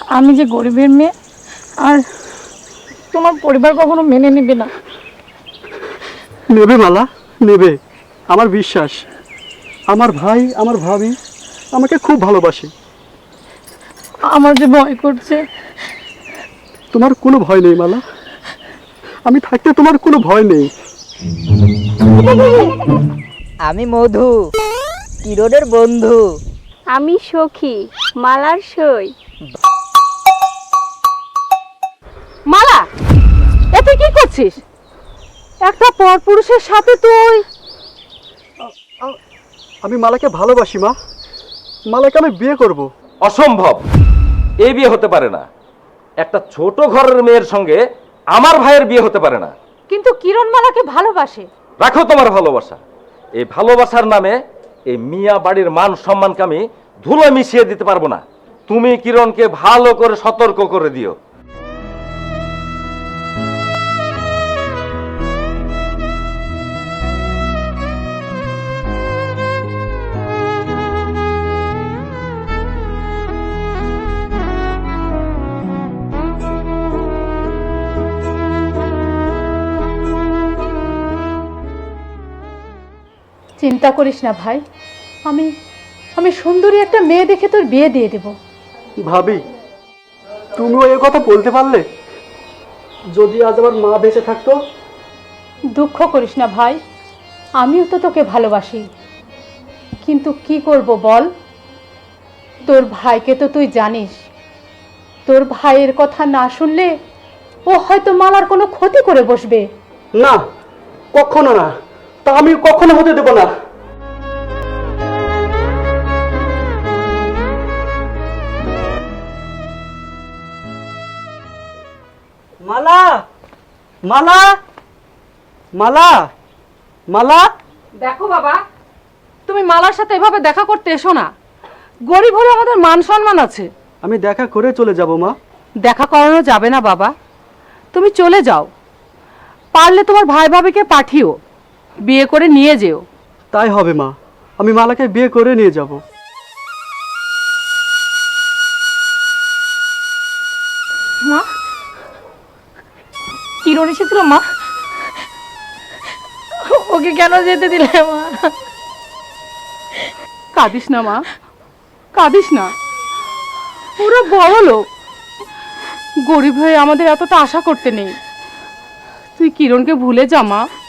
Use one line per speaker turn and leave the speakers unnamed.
আমি যে গরিবের মেয়ে, আর তোমার পরিবার কখনো মেনে নেবে না।
নেবে মালা, নেবে, আমার বিশ্বাস। আমার ভাই, আমার ভাবি আমাকে খুব ভালোবাসে।
আমার যে ভয় করছে।
তোমার কোনো ভয় নেই মালা, আমি থাকতে তোমার কোনো ভয় নেই।
আমি মধু, কিরণের বন্ধু।
আমি সখী, মালার সই।
মালা, এতে কি করছিস? একটা পরপুরুষের সাথে তুই?
আমি মালাকে ভালোবাসি মা, মালাকে আমি বিয়ে করব।
অসম্ভব, এই বিয়ে হতে পারে না। একটা ছোট ঘরের মেয়ের সঙ্গে আমার ভাইয়ের বিয়ে হতে পারে না।
কিন্তু কিরণ মালাকে ভালোবাসে।
রাখো তোমার ভালোবাসা। এই ভালোবাসার নামে এই মিয়া বাড়ির মান সম্মানকে আমি ধুলো মিশিয়ে দিতে পারবো না। তুমি কিরণকে ভালো করে সতর্ক করে দিও।
চিন্তা করিস না ভাই, আমি আমি সুন্দরী একটা মেয়ে দেখে তোর বিয়ে দিয়ে দেব।
ভাবি, তুমিও এই কথা বলতে পারলে? যদি আজ আমার মা বেঁচে থাকতো।
দুঃখ করিস না ভাই, আমিও তো তোকে ভালোবাসি, কিন্তু কি করব বল? তোর ভাইকে তো তুই জানিস, তোর ভাইয়ের কথা না শুনলে ও হয়তো মালার কোনো ক্ষতি করে বসবে।
না, কখনো না, তা আমি কখনো হতে দেব না। মালা, মালা, মালা, মালা।
দেখো বাবা, তুমি মালার সাথে এভাবে দেখা করতে এসো না। গরিব হলে আমাদের মান সম্মান আছে।
আমি দেখা করে চলে যাব মা।
দেখা করানো যাবে না বাবা, তুমি চলে যাও। পারলে তোমার ভাই ভাবিকে পাঠিও, বিয়ে করে নিয়ে যেও।
তাই হবে মা, আমি মালাকে বিয়ে করে নিয়ে যাব।
মা, কিরণ এসেছিল মা? ওকে কেন যেতে দিলে মা? কাঁদিস না মা, কাঁদিস না। ওরা বড় লোক, গরিব হয়ে আমাদের এতটা আশা করতে নেই। তুই কিরণকে ভুলে যা মা।